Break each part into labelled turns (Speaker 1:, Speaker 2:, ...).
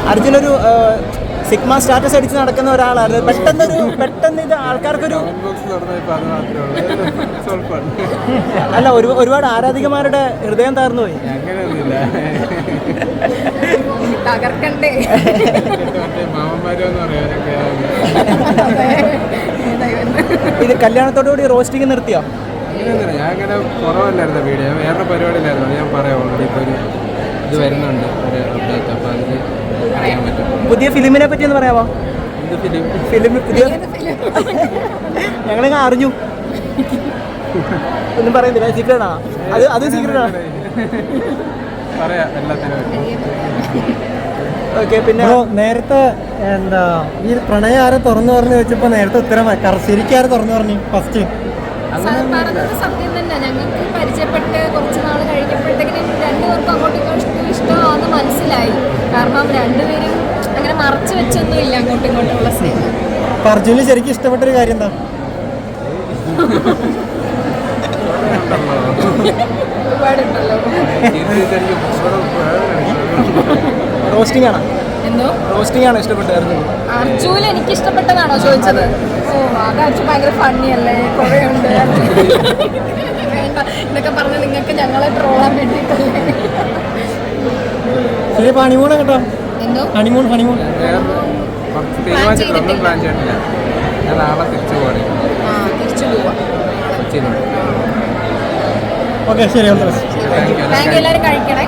Speaker 1: അർജുനൊരു sigma status അടിച്ച് നടക്കുന്ന ഒരാളാണ്. പെട്ടെന്ന് ഇത് ആൾക്കാർക്കൊരു അല്ല ഒരുപാട് ആരാധികമാരുടെ ഹൃദയം തകർന്നു പോയി.
Speaker 2: തകർക്കണ്ടേ?
Speaker 1: ഇത് കല്യാണത്തോടുകൂടി റോസ്റ്റിംഗ് നിർത്തിയോ?
Speaker 3: ഞാൻ അങ്ങനെ കുറവല്ലായിരുന്നു വീഡിയോ, വേറെ പരിപാടിയിലായിരുന്നു. ഞാൻ പറയാം, ഓൾറെഡി ഇപ്പോൾ ഒരു ഇത് വരുന്നുണ്ട്, ഒരു അപ്ഡേറ്റ്. അപ്പോൾ അതിൽ അറിയാൻ പറ്റും.
Speaker 1: പുതിയ ഫിലിമിനെ പറ്റി ഒന്ന് പറയാമോ? ഫിലിം പുതിയ ഞങ്ങളിങ്ങനെ അറിഞ്ഞു. ഒന്നും പറയുന്നില്ല, സീക്രട്ടാ? അത് സീക്രട്ടാണ്.
Speaker 3: പറയാം എല്ലാത്തിനും.
Speaker 1: ഓക്കെ. പിന്നെ
Speaker 4: നേരത്തെ എന്താ ഈ പ്രണയം ആരെ തുറന്നു പറഞ്ഞു വെച്ചപ്പോൾ നേരത്തെ ഉത്തരം ശരിക്കും ആരെ തുറന്നു പറഞ്ഞു ഫസ്റ്റ്?
Speaker 2: പറഞ്ഞത് സത്യം തന്നെ. ഞങ്ങൾക്ക് പരിചയപ്പെട്ട് കുറച്ച് നാൾ കഴിഞ്ഞപ്പോഴത്തേക്കിനും രണ്ടുപേർക്കും അങ്ങോട്ടും ഇങ്ങോട്ടും ഇഷ്ടമാണെന്ന് മനസ്സിലായി. കാരണം രണ്ടുപേരും അങ്ങനെ മറച്ചു വെച്ചൊന്നും ഇല്ല അങ്ങോട്ടും ഇങ്ങോട്ടുമുള്ള സ്നേഹം.
Speaker 4: അപ്പൊ അർജുന് ശരിക്കും ഇഷ്ടപ്പെട്ടൊരു കാര്യം എന്താ?
Speaker 2: ഒരുപാടുണ്ടല്ലോ.
Speaker 1: റോസ്റ്റിംഗ് ആണോ?
Speaker 2: എന്തോ
Speaker 1: റോസ്റ്റിംഗ് ആണോ ഇഷ്ടപ്പെട്ടായിരുന്നു?
Speaker 2: അർജുൻ എനിക്ക് ഇഷ്ടപ്പെട്ടതാണോ ചോദിച്ചത്? ഓ, അത് അർജുൻ ഭയങ്കര ഫണ്ണി അല്ലേ, കുറേ ഉണ്ട്. വേണ്ട, ഇതൊക്കെ പറഞ്ഞ് നിങ്ങൾക്ക് ഞങ്ങളെ ട്രോളാൻ വേണ്ടിയിട്ടല്ലേ.
Speaker 4: ശരി, ഹണിമൂൺ കേട്ടോ.
Speaker 2: എന്തോ
Speaker 4: ഹണിമൂൺ
Speaker 3: തീരുമാനിച്ചിട്ടില്ല. ഞാൻ നാളെ തിരിച്ചു പോവാണ്.
Speaker 2: തിരിച്ചു പോവാം.
Speaker 4: ഓക്കെ, ശരി.
Speaker 2: Thank you. എല്ലാവരും കഴിക്കണേ.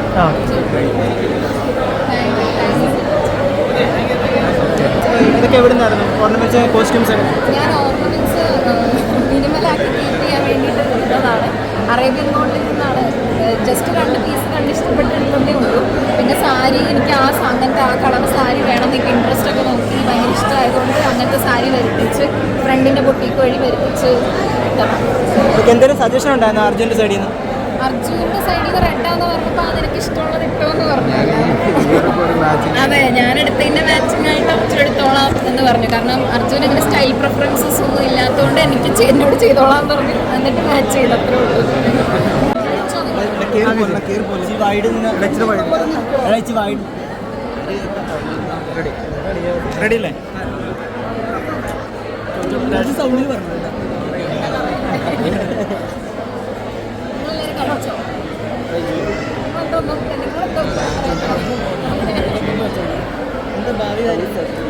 Speaker 1: ഇതൊക്കെ എവിടെ നിന്നായിരുന്നു ഓർണമെന്റ്സ്, കോസ്റ്റ്യൂംസ് ഒക്കെ?
Speaker 2: ഞാൻ ഓർണമെന്റ്സ് മിനിമലാക്കി കീപ്പ് ചെയ്യാൻ വേണ്ടിയിട്ട് ഇട്ടതാണ്. അറേബ്യൻ ഗോൾഡിൽ നിന്നാണ്. ജസ്റ്റ് 2 പീസ് കണ്ട് ഇഷ്ടപ്പെട്ടിട്ടുണ്ടേ ഉള്ളൂ. പിന്നെ സാരി എനിക്ക് അങ്ങനത്തെ ആ കളർ സാരി വേണം എന്നൊക്കെ ഇൻട്രസ്റ്റ് ഒക്കെ നോക്കി ഭയങ്കര ഇഷ്ടമായതുകൊണ്ട് അങ്ങനത്തെ സാരി വരുത്തിച്ച് ഫ്രണ്ടിൻ്റെ ബൊട്ടീക്ക് വഴി വരുത്തിച്ച് ഇട്ടതാണ്.
Speaker 1: എന്തെങ്കിലും സജഷൻ ഉണ്ടായിരുന്നു അർജുൻ്റെ സൈഡിൽ നിന്ന്?
Speaker 2: അർജുൻ്റെ സൈഡിൽ നിന്ന് റെഡാന്ന് പറഞ്ഞപ്പോൾ അതെനിക്ക് ഇഷ്ടമുള്ളത് ഇട്ടോന്ന് പറഞ്ഞു. അതെ, ഞാനെടുത്തതിൻ്റെ മാച്ചിങ് ആയിട്ട് അർജുൻ എടുത്തോളാം എന്ന് പറഞ്ഞു. കാരണം അർജുൻ അങ്ങനെ സ്റ്റൈൽ പ്രിഫറൻസസ് ഒന്നും ഇല്ലാത്തതുകൊണ്ട് എനിക്ക് എന്നോട് ചെയ്തോളാം എന്ന് പറഞ്ഞു. എന്നിട്ട് മാച്ച് ചെയ്ത് അത്രേ ഉള്ളൂ.
Speaker 1: റെഡി അല്ലേ? സൗണ്ടിൽ പറഞ്ഞു.
Speaker 2: കഴിച്ചോ?
Speaker 1: എന്താ ഭാവി കാര്യം?